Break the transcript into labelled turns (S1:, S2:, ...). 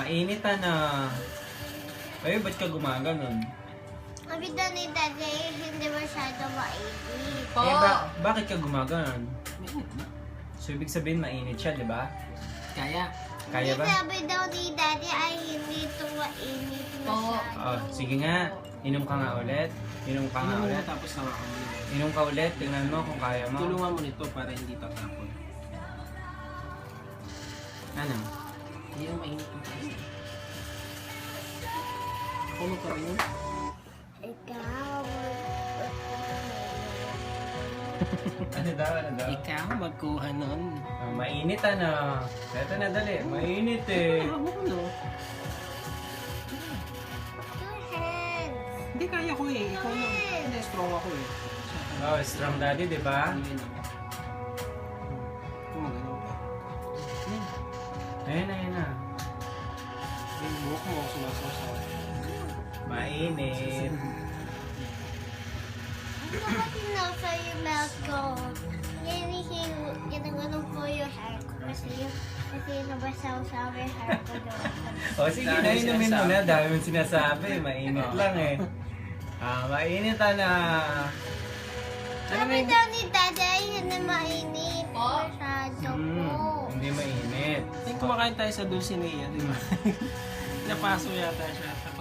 S1: Mainit na. Ay, ba't ka gumaganon?
S2: Sabi daw ni Daddy, hindi masyado mainit.
S3: Po.
S1: Bakit ka gumaganon? So, ibig sabihin mainit siya, di ba?
S3: Kaya.
S1: Kaya ba?
S2: Sabi daw ni Daddy ay hindi ito mainit masyado.
S1: Oh, sige nga. Inom ka nga ulit. Inom ka nga
S3: Ano mo
S1: ulit.
S3: tapos hawakan mo.
S1: Inom ka ulit. Tingnan mo kung kaya mo.
S3: Tulungan mo nito para hindi tatapon.
S1: Ano?
S3: Hindi mo mainit yung tayo. Ako magkaroon.
S2: Ikaw.
S1: Ano daw? Ano daw?
S3: Ikaw magkuha nun.
S1: Mainit na. Ito na dali. Mainit eh.
S3: Ako no.
S2: Two hands.
S3: Hindi kaya ko eh. Ikaw na. Hindi, strong ako eh.
S1: Oh, strong daddy, di ba?
S3: Ano yun ako? Kung magano'n pa.
S1: Ayun na, ayun na.
S3: Yung buhok mo sumasaw.
S1: Mainit.
S2: Ano ba tinasa yung milk ko? Ginaganon ko yung hair ko kasi nabasaw-saw yung hair ko doon.
S1: O sige na, inumin mo na. Dami mong sinasabi. Mainit lang eh. Mainit na.
S2: Sabi daw ni Daddy ay hindi mainit masyado po.
S1: Hindi mainit.
S3: Kumakain tayo sa Dulcinea, di ba? Napaso yata siya.